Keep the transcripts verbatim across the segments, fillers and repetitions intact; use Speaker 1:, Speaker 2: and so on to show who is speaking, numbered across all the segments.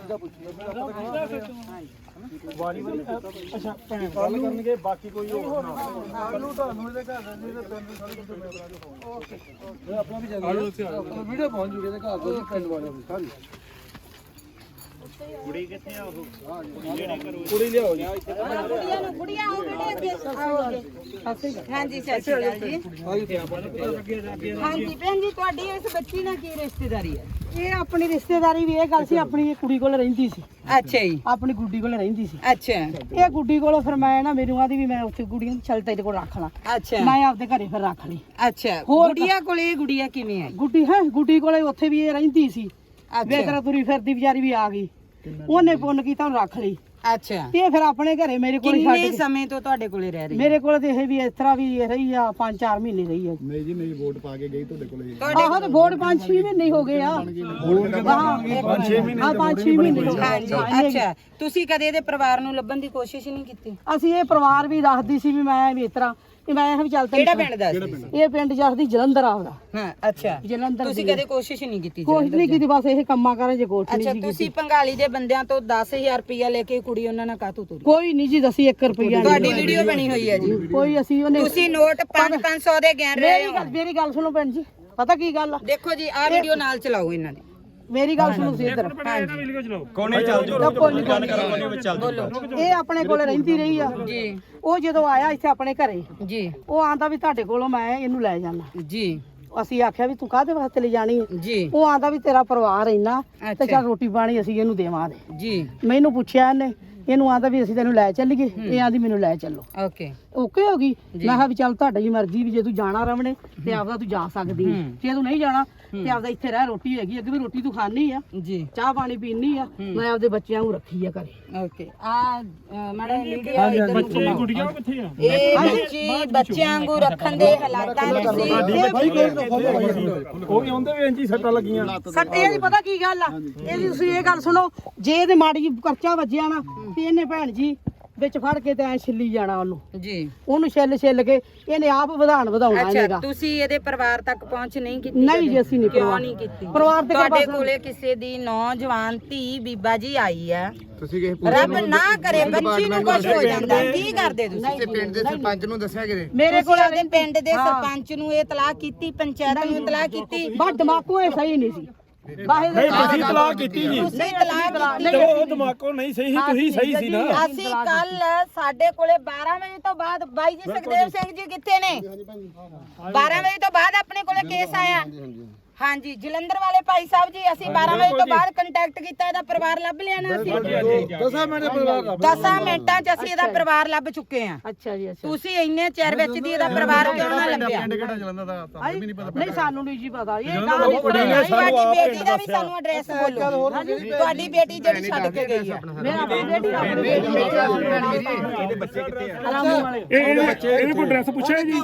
Speaker 1: ਵਾਰੀ ਵਾਰੀ ਅੱਛਾ ਭੈਣ ਗੱਲ ਕਰਨਗੇ ਬਾਕੀ ਕੋਈ ਹੋਰ ਨਾ ਕੱਲੂ ਤੁਹਾਨੂੰ ਇਹਦੇ ਘਰ ਦੇ ਪਿੰਡ ਦੇ ਸਾਰੇ ਕੁਝ ਮੈਂ ਬਣਾ ਕੇ ਓਕੇ ਆਪਣਾ ਵੀ ਚੱਲ ਵੀਡੀਓ ਪਹੁੰਚ ਜੂਗੇ ਇਹਦੇ ਘਰ ਦੇ ਪਿੰਡ ਵਾਲਿਆਂ ਦੀ ਸਾਰੀ ਕੁੜੀ ਕਿੱਥੇ ਆ ਉਹ ਜਿਹੜੇ ਕਰੋ ਕੁੜੀ ਲਿਆਓ ਜੀ ਕੁੜੀਆਂ ਨੂੰ ਕੁੜੀਆਂ ਆਓ ਬੇਟੇ ਅੱਗੇ ਆਓਗੇ ਹਾਂਜੀ ਸਤਿ ਸ਼੍ਰੀ ਅਕਾਲ ਜੀ
Speaker 2: ਹਾਂਜੀ ਭੈਣ ਜੀ ਤੁਹਾਡੀ ਇਸ ਬੱਚੀ ਨਾਲ ਕੀ ਰਿਸ਼ਤੇਦਾਰੀ ਹੈ?
Speaker 3: ਇਹ ਆਪਣੀ ਰਿਸ਼ਤੇਦਾਰੀ ਵੀ ਇਹ ਗੱਲ ਸੀ ਆਪਣੀ ਇਹ ਕੁੜੀ ਕੋਲ ਰਹਿੰਦੀ ਸੀ।
Speaker 2: ਅੱਛਾ ਜੀ
Speaker 3: ਆਪਣੀ ਗੁੱਡੀ ਕੋਲ ਰਹਿੰਦੀ ਸੀ।
Speaker 2: ਅੱਛਾ
Speaker 3: ਇਹ ਗੁੱਡੀ ਕੋਲ ਫਿਰ ਮੈਂ ਨਾ ਮੈਨੂੰ ਆਦੀ ਵੀ ਮੈਂ ਉੱਥੇ ਗੁੱਡੀਆਂ ਚੱਲ ਤੇਰੇ ਕੋਲ ਰੱਖ ਲਾਂ।
Speaker 2: ਅੱਛਾ
Speaker 3: ਮੈਂ ਆਪਦੇ ਘਰੇ ਫਿਰ ਰੱਖ ਲਈ।
Speaker 2: ਅੱਛਾ ਗੁੱਡੀਆ ਕੋਲੇ ਇਹ ਗੁੱਡੀਆ ਕਿਵੇਂ ਆਈ?
Speaker 3: ਗੁੱਡੀ ਹੈ ਗੁੱਡੀ ਕੋਲੇ ਉੱਥੇ ਵੀ ਇਹ ਰਹਿੰਦੀ ਸੀ। ਵੇਤਰਾ ਤੁਰੀ ਫਿਰਦੀ ਵਿਚਾਰੀ ਵੀ ਆ ਗਈ ਉਹਨੇ ਪੁੰਨ ਕੀਤਾ ਉਹਨੂੰ ਰੱਖ ਲਈ।
Speaker 2: ਅੱਛਾ
Speaker 3: ਤੇ ਫਿਰ ਆਪਣੇ ਘਰੇ ਮੇਰੇ ਕੋਲ ਛੱਡ
Speaker 2: ਕਿੰਨੇ ਸਮੇਂ ਤੋਂ ਤੁਹਾਡੇ ਕੋਲੇ ਰਹਿ ਰਹੀ?
Speaker 3: ਮੇਰੇ ਕੋਲ ਤੇ ਇਹ ਵੀ ਇਸ ਤਰ੍ਹਾਂ ਵੀ ਰਹੀ ਆ ਪੰਜ ਚਾਰ ਮਹੀਨੇ ਰਹੀ ਆ।
Speaker 1: ਨਹੀਂ ਜੀ ਨਹੀਂ ਵੋਟ ਪਾ ਕੇ ਗਈ ਤੁਹਾਡੇ ਕੋਲੇ
Speaker 3: ਆਹੋ ਤੇ ਵੋਟ ਪੰਜ ਛੇ ਮਹੀਨੇ ਹੋ ਗਏ ਆ। ਹਾਂ
Speaker 1: ਪੰਜ ਛੇ ਮਹੀਨੇ
Speaker 3: ਹਾਂ ਪੰਜ ਛੇ ਮਹੀਨੇ ਹੋ ਗਏ।
Speaker 2: ਹਾਂਜੀ ਅੱਛਾ ਤੁਸੀਂ ਕਦੇ ਇਹਦੇ ਪਰਿਵਾਰ ਨੂੰ ਲੱਭਣ ਦੀ ਕੋਸ਼ਿਸ਼ ਨਹੀਂ ਕੀਤੀ?
Speaker 3: ਅਸੀਂ ਇਹ ਪਰਿਵਾਰ ਵੀ ਦੱਸਦੀ ਸੀ ਵੀ ਮੈਂ ਵੀ ਇਸ ਤਰ੍ਹਾਂ ਕਿ ਮੈਂ ਇਹ ਵੀ ਚੱਲ
Speaker 2: ਕਿਹੜਾ ਪਿੰਡ ਦਾ ਸੀ?
Speaker 3: ਇਹ ਪਿੰਡ ਜਸਦੀ ਜਲੰਧਰ ਆਉਂਦਾ।
Speaker 2: ਹਾਂ ਅੱਛਾ
Speaker 3: ਜਲੰਧਰ
Speaker 2: ਤੁਸੀਂ ਕਦੇ ਕੋਸ਼ਿਸ਼ ਨਹੀਂ ਕੀਤੀ?
Speaker 3: ਕੋਸ਼ਿਸ਼ ਨਹੀਂ ਕੀਤੀ ਬਸ ਇਹ ਕੰਮਾਂ ਕਰਾਂ ਜੇ ਕੋਠ ਨਹੀਂ
Speaker 2: ਅੱਛਾ ਤੁਸੀਂ ਪੰਗਾਲੀ ਦੇ ਬੰਦਿਆਂ ਤੋਂ ਦਸ ਹਜ਼ਾਰ ਰੁਪਇਆ ਲੈ ਕੇ ਕੁੜੀ ਉਹਨਾਂ ਨਾਲ ਕਾਹਤੋਂ ਤੁਰੀ?
Speaker 3: ਕੋਈ ਨਹੀਂ ਜੀ ਦਸੀ ਇੱਕ ਰੁਪਿਆ
Speaker 2: ਤੁਹਾਡੀ ਵੀਡੀਓ ਬਣੀ ਹੋਈ ਹੈ ਜੀ।
Speaker 3: ਕੋਈ ਅਸੀਂ ਉਹਨੇ
Speaker 2: ਤੁਸੀਂ ਨੋਟ ਪੰਜ ਪੰਜ ਸੌ ਦੇ ਗਿਣ ਰਹੇ
Speaker 3: ਮੇਰੀ ਗੱਲ ਮੇਰੀ ਗੱਲ ਸੁਣੋ ਭੈਣ ਜੀ ਪਤਾ ਕੀ ਗੱਲ ਆ
Speaker 2: ਦੇਖੋ ਜੀ ਆਹ ਵੀਡੀਓ ਨਾਲ ਚਲਾਓ ਇਹਨਾਂ ਨੇ।
Speaker 3: ਮੇਰੀ ਗੱਲ ਸੁਣੋ ਸੀ ਇੱਧਰ
Speaker 1: ਕੋਨੇ ਚੱਲ ਜਾਓ ਗੱਲ ਕਰਾਂਗੇ ਵਿੱਚ ਚੱਲ
Speaker 2: ਬੋਲੋ
Speaker 3: ਇਹ ਆਪਣੇ ਕੋਲ ਰਹਿੰਦੀ ਰਹੀ ਆ
Speaker 2: ਜੀ।
Speaker 3: ਉਹ ਜਦੋਂ ਆਇਆ ਇੱਥੇ ਆਪਣੇ ਘਰੇ
Speaker 2: ਜੀ
Speaker 3: ਉਹ ਆਂਦਾ ਵੀ ਤੁਹਾਡੇ ਕੋਲੋਂ ਮੈਂ ਇਹਨੂੰ ਲੈ ਜਾਣਾ।
Speaker 2: ਜੀ
Speaker 3: ਅਸੀਂ ਆਖਿਆ ਵੀ ਤੂੰ ਕਾਹਦੇ ਵਾਸਤੇ ਲੈ ਜਾਣੀ ਹੈ?
Speaker 2: ਜੀ
Speaker 3: ਉਹ ਆਂਦਾ ਵੀ ਤੇਰਾ ਪਰਿਵਾਰ ਇੰਨਾ ਤੇ
Speaker 2: ਅੱਛਾ।
Speaker 3: ਚੱਲ ਰੋਟੀ ਪਾਣੀ ਅਸੀਂ ਇਹਨੂੰ ਦੇਵਾਂਗੇ।
Speaker 2: ਜੀ
Speaker 3: ਮੈਨੂੰ ਪੁੱਛਿਆ ਇਹਨੇ ਇਹਨੂੰ ਆਂਦਾ ਵੀ ਅਸੀਂ ਤੈਨੂੰ ਲੈ ਚੱਲੀਏ ਇਹ ਆਂਦੀ ਮੈਨੂੰ ਲੈ ਚੱਲੋ।
Speaker 2: ਓਕੇ
Speaker 3: ਓਕੇ ਹੋ ਗਈ। ਮੈਂ ਕਿਹਾ ਵੀ ਚੱਲ ਤੁਹਾਡੀ ਮਰਜ਼ੀ ਵੀ ਜੇ ਤੂੰ ਜਾਣਾ ਰਵਣੇ ਤੇ ਆਪਦਾ ਤੂੰ ਜਾ ਸਕਦੀ ਹੈ ਜੇ ਤੂੰ ਨਹੀਂ ਜਾਣਾ ਤੇ ਆਪਦਾ ਇੱਥੇ ਰਹਿ ਰੋਟੀ ਹੈਗੀ ਅੱਗੇ ਵੀ ਰੋਟੀ ਤੂੰ ਖਾਣੀ ਆ
Speaker 2: ਜੀ
Speaker 3: ਚਾਹ ਪਾਣੀ ਪੀਣੀ ਆ ਮੈਂ ਆਪਦੇ ਬੱਚਿਆਂ ਨੂੰ ਰੱਖੀ ਆ ਘਰੇ।
Speaker 2: ਓਕੇ ਆ ਮੈਡਮ ਵੀਡੀਓ ਇੱਧਰ ਨੂੰ ਘੁਮਾਓ।
Speaker 1: ਗੁੱਡੀਆਂ ਕਿੱਥੇ ਆ?
Speaker 2: ਇਹ ਬੱਚੀ ਬੱਚਿਆਂ ਵਾਂਗੂ ਰੱਖਣ ਦੇ ਹਾਲਾਤਾਂ ਵਿੱਚ ਸੀ।
Speaker 1: ਉਹ ਵੀ ਆਉਂਦੇ ਵੀ ਇੰਜੀ ਸੱਟਾਂ ਲੱਗੀਆਂ
Speaker 3: ਸੱਟੇ ਦੀ ਪਤਾ ਕੀ ਗੱਲ ਆ ਇਹਦੀ ਤੁਸੀਂ ਇਹ ਗੱਲ ਸੁਣੋ ਜੇ ਇਹਦੇ ਮਾੜੀ ਜਿਹੀ ਕਰਚਾ ਵੱਜਿਆ ਨਾ ਤੇ ਇਹਨੇ ਭੈਣ ਜੀ ਵਿੱਚ ਫੜ ਕੇ ਤੇ ਐ ਛਿੱਲੀ ਜਾਣਾ ਉਹਨੂੰ
Speaker 2: ਜੀ
Speaker 3: ਉਹਨੂੰ ਛਿੱਲ ਛਿੱਲ ਕੇ ਇਹਨੇ ਆਪ ਵਧਾਣ ਵਧਾਉਣਾ
Speaker 2: ਅੱਛਾ
Speaker 3: ਇਹਦਾ।
Speaker 2: ਤੁਸੀਂ ਇਹਦੇ ਪਰਿਵਾਰ ਤੱਕ ਪਹੁੰਚ ਨਹੀਂ ਕੀਤੀ?
Speaker 3: ਨਹੀਂ ਜੀ ਅਸੀਂ ਨਹੀਂ
Speaker 2: ਕਿਉਂ
Speaker 3: ਪਰਿਵਾਰ
Speaker 2: ਨਹੀਂ ਕੀਤੀ?
Speaker 3: ਪਰਿਵਾਰ ਤੇ
Speaker 2: ਤੁਹਾਡੇ ਕੋਲੇ ਕਿਸੇ ਦੀ ਨੌਜਵਾਨ ਧੀ ਬੀਬਾ ਜੀ ਆਈ ਆ
Speaker 1: ਤੁਸੀਂ ਕਿਹ
Speaker 2: ਰੱਬ ਨਾ ਕਰੇ ਬੱਚੀ ਨੂੰ ਕੁਝ ਹੋ ਜਾਂਦਾ ਕੀ ਕਰਦੇ ਤੁਸੀਂ?
Speaker 1: ਪਿੰਡ ਦੇ ਸਰਪੰਚ ਨੂੰ ਦੱਸਿਆ ਕਿਤੇ?
Speaker 2: ਮੇਰੇ ਕੋਲ ਆਪਣੇ ਪਿੰਡ ਦੇ ਸਰਪੰਚ ਨੂੰ ਇਹ ਇਤਲਾਹ ਕੀਤੀ ਪੰਚਾਇਤ ਨੂੰ ਇਤਲਾਹ ਕੀਤੀ?
Speaker 3: ਬਸ ਦਿਮਾਗੋਂ ਇਹ ਸਹੀ ਨਹੀਂ ਸੀ ਬਾਹਰ
Speaker 1: ਨਹੀਂ ਤੁਸੀਂ ਤਲਾਕ ਕੀਤੀ ਜੀ
Speaker 2: ਤੁਸੀਂ ਇਤਲਾਹ ਕੀਤੀ?
Speaker 1: ਤੇ ਉਹ ਦਿਮਾਗੋਂ ਨਹੀਂ ਸਹੀ ਸੀ ਤੁਸੀਂ ਸਹੀ ਸੀ ਨਾ।
Speaker 2: ਅਸੀਂ ਕੱਲ ਸਾਡੇ ਕੋਲੇ ਬਾਰਾਂ ਵਜੇ ਤੋਂ ਬਾਅਦ ਬਾਈ ਜੀ ਸੁਖਦੇਵ ਸਿੰਘ ਜੀ ਕਿੱਥੇ ਨੇ? ਬਾਰਾਂ ਵਜੇ ਤੋਂ ਬਾਅਦ ਆਪਣੇ ਕੋਲੇ ਕੇਸ ਆਇਆ। ਹਾਂਜੀ ਜਲੰਧਰ ਵਾਲੇ ਭਾਈ ਸਾਹਿਬ ਜੀ ਅਸੀਂ ਬਾਰਾਂ ਵਜੇ ਤੋਂ ਬਾਅਦ ਕੰਟੈਕਟ ਕੀਤਾ ਇਹਦਾ ਪਰਿਵਾਰ ਲੱਭ ਲਿਆ ਨਾ ਅਸੀਂ
Speaker 1: ਦਸਾਂ ਮਿੰਟ ਪਰਿਵਾਰ ਲੱਭ
Speaker 2: ਦਸਾਂ ਮਿੰਟਾਂ 'ਚ ਅਸੀਂ ਇਹਦਾ ਪਰਿਵਾਰ ਲੱਭ ਚੁੱਕੇ ਆ।
Speaker 3: ਅੱਛਾ ਜੀ ਅੱਛਾ
Speaker 2: ਤੁਸੀਂ ਇੰਨੇ ਚਿਰ ਵਿੱਚ ਦੀ ਇਹਦਾ ਪਰਿਵਾਰ ਕਿਉਂ ਨਾ ਲੱਭਿਆ?
Speaker 1: ਕਿਹੜਾ ਜਲੰਧਰ ਦਾ ਤਾਂ ਵੀ ਨਹੀਂ ਪਤਾ।
Speaker 3: ਨਹੀਂ ਸਾਨੂੰ ਨਹੀਂ ਜੀ ਪਤਾ ਇਹ
Speaker 1: ਉਹ ਕੁੜੀ ਨੇ ਸਾਨੂੰ
Speaker 2: ਤੁਹਾਡੀ
Speaker 1: ਆਪ
Speaker 2: ਬੇਟੀ ਦਾ ਵੀ ਸਾਨੂੰ ਐਡਰੈਸ ਬੋਲੋ। ਤੁਹਾਡੀ ਬੇਟੀ ਜਿਹੜੀ ਛੱਡ ਕੇ ਗਈ ਆ।
Speaker 3: ਮੇਰਾ ਆਪਣੀ ਬੇਟੀ ਆਪਣੀ ਬੇਟੀ
Speaker 1: ਇਹਦੇ ਬੱਚੇ ਕਿੱਥੇ ਆ? ਇਹ ਇਹਨੇ ਕੋਈ ਐਡਰੈਸ ਪੁੱਛਿਆ ਜੀ?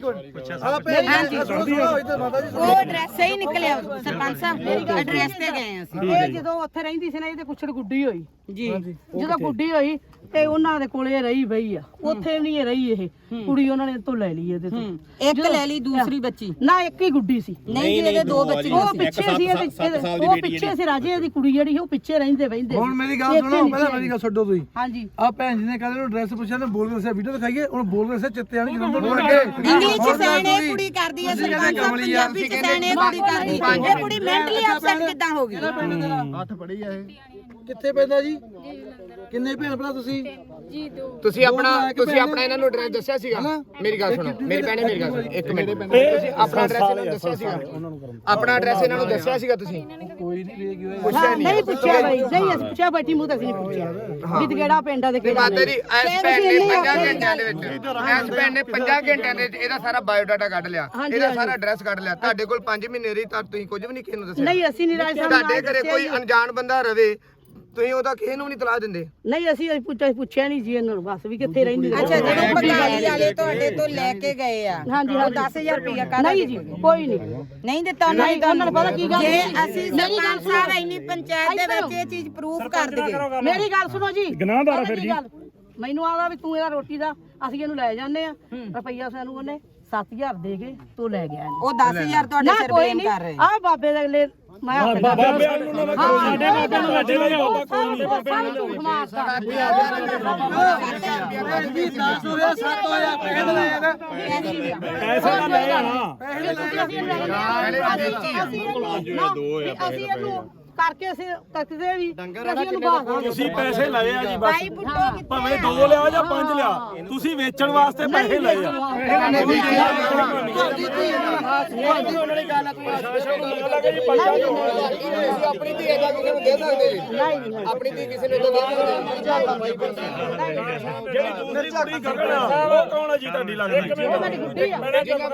Speaker 2: ਹਾਂਜੀ ਉਹ ਐਡਰੈਸ ਸਹੀ ਨਿਕਲਿਆ ਸਰਪੰਚ ਸਾਹਿਬ ਐਡਰੈਸ ਤੇ ਗਏ ਅਸੀਂ।
Speaker 3: ਇਹ ਜਦੋਂ ਉੱਥੇ ਰਹਿੰਦੀ ਸੀ ਨਾ ਇਹਦੇ ਕੁਛੜ ਗੁੱਡੀ ਹੋਈ
Speaker 2: ਜੀ
Speaker 3: ਜਦੋਂ ਗੁੱਡੀ ਹੋਈ ਤੇ ਉਹਨਾਂ ਦੇ ਕੋਲੇ ਰਹੀ ਬਈ ਆ ਉੱਥੇ ਨਹੀਂ ਇਹ ਰਹੀ ਇਹ ਕੁੜੀ ਉਹਨਾਂ ਨੇ ਤੋਂ ਲੈ ਲਈ ਇਹਦੇ ਤੋਂ
Speaker 2: ਇੱਕ ਲੈ ਲਈ ਦੂਸਰੀ ਬੱਚੀ
Speaker 3: ਨਾ ਇੱਕ ਹੀ ਗੁੱਡੀ ਸੀ।
Speaker 2: ਨਹੀਂ ਜੀ ਇਹਦੇ ਦੋ ਬੱਚੇ
Speaker 3: ਉਹ ਪਿੱਛੇ ਸੀ ਇਹਦੇ ਉਹ ਪਿੱਛੇ ਸੀ ਰਾਜੇ ਦੀ ਕੁੜੀ ਜਿਹੜੀ ਉਹ ਪਿੱਛੇ ਰਹਿੰਦੇ ਬੈਂਦੇ।
Speaker 1: ਹੁਣ ਮੇਰੀ ਗੱਲ ਸੁਣੋ ਪਹਿਲਾਂ ਮੇਰੀ ਗੱਲ ਛੱਡੋ ਤੁਸੀਂ।
Speaker 3: ਹਾਂਜੀ
Speaker 1: ਆ ਭੈਣ ਜੀ ਨੇ ਕਹਿੰਦੇ ਨੂੰ ਐਡਰੈਸ ਪੁੱਛਿਆ ਤੇ ਬੋਲ ਕੇ ਦੱਸਿਆ ਵੀਡੀਓ ਦਿਖਾਈਏ ਹੁਣ ਬੋਲ ਕੇ ਦੱਸਿਆ ਚਿੱਤੇ ਆਣੀ ਜਲੰਧਰ ਨੂੰ ਲੱਗੇ
Speaker 2: ਇੰਗਲਿਸ਼ ਚ ਸੈਣੇ ਕੁੜੀ ਕਰਦੀ ਹੈ ਸਰਪੰਚ ਸਾਹਿਬ ਪੰਜਾਬੀ ਚ ਸੈਣੇ ਕੁੜੀ ਕਰਦੀ ਇਹ ਕੁੜੀ ਮੈਂਟਲੀ ਅਪਸੈਟ ਕਿੱਦਾਂ ਹੋ ਗਈ?
Speaker 1: ਅੱਠ ਪੜੀ ਆ ਇਹ ਕਿੱਥੇ ਪੈਂਦਾ ਜੀ? ਕਿੰਨੇ ਭੈਣ ਭਰਾ ਤੁਸੀਂ?
Speaker 4: ਜੀ ਦੋ।
Speaker 5: ਤੁਸੀਂ ਆਪਣਾ ਤੁਸੀਂ ਆਪਣਾ ਇਹਨਾਂ ਨੂੰ ਐਡਰੈਸ ਦੱਸਿਆ ਸੀਗਾ? ਮੇਰੀ ਗੱਲ ਸੁਣੋ ਮੇਰੀ ਭੈਣੇ ਮੇਰੀ ਗੱਲ ਸੁਣੋ ਇੱਕ ਮਿੰਟ ਤੁਸੀਂ ਆਪਣਾ ਐਡਰੈਸ ਇਹਨਾਂ ਨੂੰ ਦੱਸਿਆ ਸੀਗਾ? ਆਪਣਾ ਐਡਰੈਸ ਇਹਨਾਂ ਨੂੰ ਦੱਸਿਆ ਸੀਗਾ ਤੁਸੀਂ?
Speaker 1: ਕੋਈ ਨਹੀਂ ਵੇਖ
Speaker 3: ਹਾਂ, ਨਹੀਂ ਪੁੱਛਿਆ ਬਈ ਨਹੀਂ ਅਸੀਂ ਪੁੱਛਿਆ ਬੈਠੀ ਮੂੰਹ ਤਾਂ ਅਸੀਂ ਨਹੀਂ ਪੁੱਛਿਆ ਵੀ ਕਿਹੜਾ ਪਿੰਡ ਆ ਤੇ ਕਿਹੜਾ
Speaker 5: ਮਾਤਾ ਜੀ ਇਸ ਭੈਣ ਨੇ ਪੰਜਾਂ ਘੰਟਿਆਂ ਦੇ ਵਿੱਚ ਇਸ ਭੈਣ ਨੇ ਪੰਜਾਂ ਘੰਟਿਆਂ ਦੇ ਵਿੱਚ ਇਹਦਾ ਸਾਰਾ ਬਾਇਓਡਾਟਾ ਕੱਢ ਲਿਆ ਇਹਦਾ ਸਾਰਾ ਐਡਰੈਸ ਕੱਢ ਲਿਆ ਤੁਹਾਡੇ ਕੋਲ ਪੰਜ ਮਹੀਨੇ ਰਹੀ ਤਾਂ ਤੁਸੀਂ ਕੁਝ ਵੀ ਨਹੀਂ ਕਿਸੇ ਨੂੰ ਦੱਸਿਆ?
Speaker 3: ਨਹੀਂ ਅਸੀਂ ਨਹੀਂ ਰਾਜ ਸਾਹਿਬ
Speaker 5: ਤੁਹਾਡੇ ਘਰੇ ਕੋਈ ਅਣਜਾਣ ਬੰਦਾ ਰਵੇ ਤੁਸੀਂ ਉਹਦਾ ਕਿਸੇ ਨੂੰ ਵੀ ਨਹੀਂ ਤਲਾਹ ਦਿੰਦੇ?
Speaker 3: ਨਹੀਂ ਅਸੀਂ ਪੁੱਛਿਆ ਪੁੱਛਿਆ ਨਹੀਂ ਜੀ ਇਹਨਾਂ ਨੂੰ ਬਸ ਵੀ ਕਿੱਥੇ ਰਹਿੰਦੀ
Speaker 2: ਅੱਛਾ ਜਦੋਂ ਪੰਗਾਲੀ ਵਾਲੇ ਤੁਹਾਡੇ ਤੋਂ ਲੈ ਕੇ ਗਏ ਆ
Speaker 3: ਹਾਂਜੀ
Speaker 2: ਉਹ ਦਸ ਹਜ਼ਾਰ ਰੁਪਇਆ ਕਾਹਦਾ
Speaker 3: ਨਹੀਂ ਜੀ ਕੋਈ ਨਹੀਂ
Speaker 2: ਨਹੀਂ ਦਿੱਤਾ ਉਹਨਾਂ ਨੇ
Speaker 3: ਉਹਨਾਂ ਨੂੰ ਪਤਾ ਕੀ ਗੱਲ
Speaker 2: ਜੇ ਅਸੀਂ ਸਰਪੰਚ ਸਾਹਿਬ ਇੰਨੀ ਪੰਚਾਇਤ ਦੇ ਵਿੱਚ ਇਹ ਚੀਜ਼ ਪ੍ਰੂਫ ਕਰ ਦਈਏ।
Speaker 3: ਮੇਰੀ ਗੱਲ ਸੁਣੋ ਜੀ
Speaker 1: ਗਨਾਹਦਾਰ ਆ ਫਿਰ ਜੀ।
Speaker 3: ਮੈਨੂੰ ਆਦਾ ਵੀ ਤੂੰ ਇਹਦਾ ਰੋਟੀ ਦਾ ਅਸੀਂ ਇਹਨੂੰ ਲੈ ਜਾਂਦੇ ਆ ਰੁਪਈਆ ਸਾਨੂੰ ਉਹਨੇ ਸੱਤ ਹਜ਼ਾਰ ਦੇ ਕੇ ਤੂੰ ਲੈ ਗਿਆ
Speaker 2: ਉਹ ਦਸ ਹਜ਼ਾਰ ਤੁਹਾਡੇ ਸਿਰ ਬਲੇਮ ਕਰ ਰਹੇ
Speaker 3: ਆ ਬਾਬੇ ਦੇ ਅਗਲੇ ਮੈਂ ਹੱਥ
Speaker 1: ਬਾਬੇ ਵਾਲ ਨੂੰ ਨਾ ਕਰੋ ਸਾਡੇ ਬਾਬੇ ਨੂੰ ਸਾਡੇ ਲਈ ਆਓ
Speaker 3: ਬਾਬੇ ਨੂੰ ਝੂਠ ਮਾਰਦਾ
Speaker 1: ਜੀ ਦਸ ਹੋਇਆ ਸੱਤ ਹੋਇਆ ਪੈਸੇ ਲਏ ਨਾ ਪੈਸੇ ਤਾਂ ਲੈ ਆਣਾ
Speaker 3: ਅਸੀਂ ਇਹਨੂੰ ਕਰਕੇ ਅਸੀਂ ਤੱਕਦੇ ਵੀ ਅਸੀਂ ਇਹਨੂੰ ਬਾਹਰ
Speaker 1: ਤੁਸੀਂ ਪੈਸੇ ਲਏ ਆ ਜੀ
Speaker 2: ਬਾਈ
Speaker 1: ਬਸ
Speaker 2: ਬੁੱਢੋ ਕਿੱਥੇ
Speaker 1: ਭਾਵੇਂ ਦੋ ਲਿਆ ਜਾਂ ਪੰਜ ਲਿਆ ਤੁਸੀਂ ਵੇਚਣ ਵਾਸਤੇ ਪੈਸੇ ਲਏ ਆ
Speaker 5: ਆਪਣੀ ਧੀ ਇਹਦਾ ਕਿਸੇ ਨੂੰ ਦੇ ਸਕਦੇ ਜੀ ਆਪਣੀ ਧੀ ਕਿਸੇ ਨੂੰ ਦੇ
Speaker 1: ਜਿਹੜੀ ਦੂਸਰੀ ਕੁੜੀ ਗਗਨ ਆ ਉਹ ਕੌਣ ਆ ਜੀ ਤੁਹਾਡੀ ਲੱਗਦੀ
Speaker 3: ਮੇਰੀ ਗੁੱਡੀ ਆ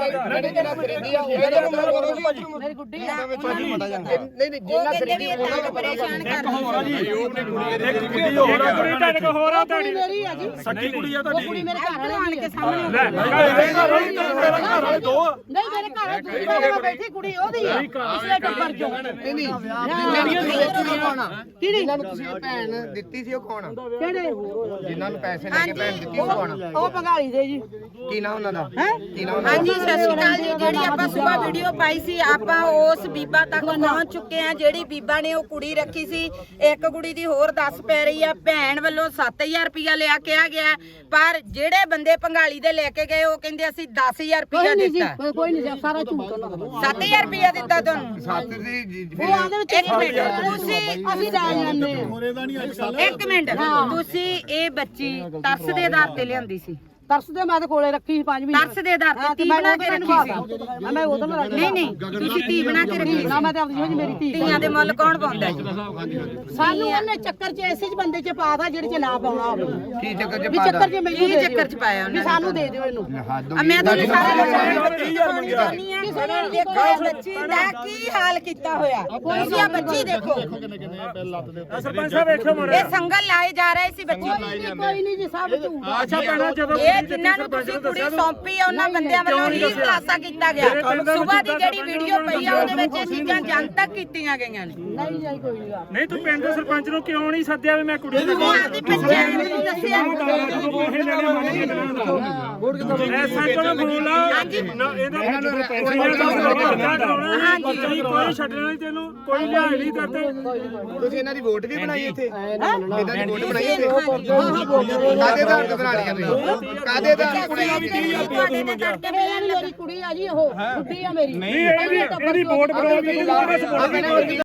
Speaker 3: ਮੇਰੀ ਗੁੱਡੀ ਆ
Speaker 5: ਨਹੀਂ ਨਹੀਂ ਜਿੰਨਾ ਖਰੀਦੀ
Speaker 2: ਉਹ ਪਰੇਸ਼ਾਨ ਕਰ
Speaker 1: ਹੋਰ ਆ ਜੀ ਇੱਕ ਕੁੜੀ ਹੋਰ ਆ ਕੁੜੀ ਤੁਹਾਡੇ ਕੋਲ ਹੋਰ ਆ ਤੁਹਾਡੀ
Speaker 3: ਮੇਰੀ ਆ ਜੀ
Speaker 1: ਸੱਕੀ ਕੁੜੀ ਆ
Speaker 3: ਉਹ ਕੁੜੀ
Speaker 1: ਤੁਹਾਡੀ
Speaker 3: ਮੇਰੇ ਘਰ ਵਾਲੇ
Speaker 2: ਆਣ ਕੇ ਸਾਹਮਣੇ
Speaker 1: ਲੈ ਮੇਰੇ ਘਰ ਵਾਲੀ ਤੇ ਮੇਰਾ ਘਰ ਵਾਲੇ ਦੋ ਆ
Speaker 3: ਨਹੀਂ ਮੇਰੇ ਘਰ ਵਾਲੇ ਦੂਜੀ ਵਾਲੇ ਮੈਂ ਬੈਠੀ ਕੁੜੀ ਉਹਦੀ ਆ ਪਿਛਲੇ ਟੱਬਰ ਚੋਂ
Speaker 5: ਨਹੀਂ ਨਹੀਂ
Speaker 3: ਕਿਹੜੀ
Speaker 5: ਜਿਨ੍ਹਾਂ ਨੂੰ ਤੁਸੀਂ ਭੈਣ ਦਿੱਤੀ ਸੀ ਉਹ ਕੌਣ ਆ
Speaker 3: ਕਿਹੜੇ
Speaker 5: ਜਿਨ੍ਹਾਂ ਨੂੰ ਪੈਸੇ ਲੈ ਕੇ ਭੈਣ ਦਿੱਤੀ ਉਹ ਕੌਣ ਆ
Speaker 3: ਉਹ ਪੰਗਾਲੀ ਦੇ ਜੀ
Speaker 5: ਕੀ ਨਾਮ ਉਹਨਾਂ ਦਾ ਕੀ ਨਾਮ
Speaker 2: ਹਾਂਜੀ ਸਤਿ ਸ਼੍ਰੀ ਅਕਾਲ ਜੀ। ਜਿਹੜੀ ਆਪਾਂ ਸਵੇਰ ਵੀਡੀਓ ਪਾਈ ਸੀ ਆਪਾਂ ਉਸ ਬੀਬਾ ਤੱਕ ਪਹੁੰਚ ਚੁੱਕੇ ਆ ਜਿਹੜੀ ਬੀਬਾ ਨੇ ਉਹ ਕੁੜੀ ਰੱਖੀ ਸੀ। ਇੱਕ ਕੁੜੀ ਦੀ ਹੋਰ ਦੱਸ ਪੈ ਰਹੀ ਆ ਭੈਣ ਵੱਲੋਂ ਸੱਤ ਹਜ਼ਾਰ ਰੁਪਇਆ ਲਿਆ ਕਿਹਾ ਗਿਆ ਪਰ ਜਿਹੜੇ ਬੰਦੇ ਪੰਗਾਲੀ ਦੇ ਲੈ ਕੇ ਗਏ ਉਹ ਕਹਿੰਦੇ ਅਸੀਂ ਦਸ ਹਜ਼ਾਰ ਰੁਪਇਆ
Speaker 3: ਕੋਈ ਨਹੀਂ ਜੀ
Speaker 2: ਦਿੱਤਾ।
Speaker 3: ਕੋਈ ਨਹੀਂ ਜੀ ਸਾਰਾ ਝੂਠ ਉਹਨਾਂ ਦਾ
Speaker 2: ਸੱਤ ਹਜ਼ਾਰ ਰੁਪਇਆ ਦਿੱਤਾ ਤੁਹਾਨੂੰ।
Speaker 5: ਸੱਤ ਦੀ ਜੀ-
Speaker 3: ਉਹ ਆਦੇ ਵਿੱਚ
Speaker 2: ਇੱਕ ਮਿੰਟ ਤੁਸੀਂ
Speaker 3: ਅਸੀਂ ਲੈ ਜਾਂਦੇ ਆ
Speaker 2: ਇੱਕ ਮਿੰਟ ਤੁਸੀਂ ਇਹ ਬੱਚੀ ਤਰਸ ਦੇ ਆਧਾਰ ਤੇ ਲਿਆਂਦੀ ਸੀ।
Speaker 3: ਤਰਸ ਦੇ ਮੈਂ ਤੇ ਕੋਲੇ ਰੱਖੀ ਸੀ ਪੰਜ ਮਹੀਨੇ
Speaker 2: ਤਰਸ ਦੇ ਆਧਾਰ ਤੇ ਤੀ ਬਣਾ ਕੇ ਰੱਖੀ ਸੀ।
Speaker 3: ਮੈਂ ਉਦੋਂ ਨਾ
Speaker 2: ਨਹੀਂ ਨਹੀਂ ਤੁਸੀਂ ਤੀ ਬਣਾ ਕੇ ਰੱਖੀ
Speaker 3: ਨਾ ਮੈਂ ਤੇ ਆਪਣੀ ਜੀ ਮੇਰੀ ਧੀ
Speaker 2: ਧੀਆਂ ਦੇ ਮੁੱਲ ਕੌਣ ਪਾਉਂਦਾ ਹੈ?
Speaker 3: ਸਾਨੂੰ ਉਹਨੇ ਚੱਕਰ 'ਚ ਐਸੇ 'ਚ ਬੰਦੇ 'ਚ ਪਾਤਾ ਜਿਹੜੇ 'ਚ ਨਾ ਪਾਉਣਾ ਹੋਵੇ
Speaker 5: ਕੀ ਚੱਕਰ ਚ
Speaker 3: ਵੀ
Speaker 5: ਪਾਦਾ
Speaker 3: ਚੱਕਰ 'ਚ ਮੈਨੂੰ
Speaker 2: ਕੀ
Speaker 3: ਦੇ
Speaker 2: ਚੱਕਰ 'ਚ ਪਾਇਆ
Speaker 3: ਵੀ
Speaker 2: ਉਹਨਾਂ
Speaker 3: ਸਾਨੂੰ ਦੇ ਦਿਓ ਇਹਨੂੰ
Speaker 2: ਆ ਮੈਂ ਤੁਹਾਨੂੰ ਸਾਰਾ ਦੇਖੋ ਇਹ ਬੱਚੀ ਦਾ ਕੀ ਹਾਲ ਕੀਤਾ ਹੋਇਆ। ਤੁਸੀਂ ਆ ਬੱਚੀ ਦੇਖੋ
Speaker 1: ਸਰਪੰਚ ਸਾਹਿਬ ਵੇਖੋ ਮੁੰਡੇ
Speaker 2: ਇਹ ਸੰਗਲ ਲਾਏ ਜਾ ਰਹੇ ਸੀ ਬੱਚੀ।
Speaker 3: ਕੋਈ ਨਹੀਂ ਜੀ ਸਭ ਝੂਠ ਆ।
Speaker 1: ਅੱਛਾ ਭੈਣਾ ਜਦੋਂ
Speaker 2: ਇਹ ਜਿਨ੍ਹਾਂ ਨੂੰ ਤੁਸੀਂ ਕੁੜੀ ਸੌਂਪੀ ਆ ਉਹਨਾਂ ਬੰਦਿਆਂ ਵੱਲੋਂ ਹੀ ਖੁਲਾਸਾ ਕੀਤਾ ਗਿਆ। ਸਵੇਰ ਦੀ ਜਿਹੜੀ ਵੀਡੀਓ ਪਈ ਆ ਉਹਦੇ ਵਿੱਚ ਇਹ ਚੀਜ਼ਾਂ ਜਨਤਕ ਕੀਤੀਆਂ ਗਈਆਂ ਨੇ।
Speaker 3: ਨਹੀਂ ਜੀ ਕੋਈ ਨਹੀਂ ਆ।
Speaker 1: ਨਹੀਂ ਤੂੰ ਪਿੰਡ ਦੇ ਸਰਪੰਚ ਨੂੰ ਕਿਉਂ ਨਹੀਂ ਸੱਦਿਆ ਵੀ ਮੈਂ ਕੁੜੀ ਨੂੰ
Speaker 2: ਉਹ ਆਪਦੀ ਪੰਚਾਇਤ ਨੂੰ ਦੱਸਿਆ।
Speaker 1: ਐਸਾ ਕੋਲ ਫੋਨ ਲਾ ਨਾ ਇਹਦਾ ਹਾਂਜੀ ਕੋਈ ਛੱਡਣਾ ਨਹੀਂ ਤੈਨੂੰ ਕੋਈ ਲਿਆ ਨਹੀਂ ਕਰਦੇ
Speaker 5: ਤੁਸੀਂ ਇਹਨਾਂ ਦੀ ਵੋਟ ਵੀ ਬਣਾਈ ਇੱਥੇ ਇਹਨਾਂ ਦੀ ਵੋਟ ਬਣਾਈ ਇੱਥੇ ਕਾਦੇ ਦਾ ਤੇ ਬਣਾ ਲਈ ਤੁਸੀਂ ਕਾਦੇ ਦਾ
Speaker 2: ਕੁੜੀ ਵੀ ਤੀਹ ਹਜ਼ਾਰ ਰੁਪਇਆ ਤੁਹਾਨੂੰ ਮੰਗਿਆ।
Speaker 3: ਮੇਰੀ ਕੁੜੀ ਆ ਜੀ ਉਹ ਗੁੱਡੀ ਆ ਮੇਰੀ
Speaker 1: ਨਹੀਂ ਇਹਦੀ ਇਹਦੀ ਵੋਟ ਬਣਾਉਣ ਦੀ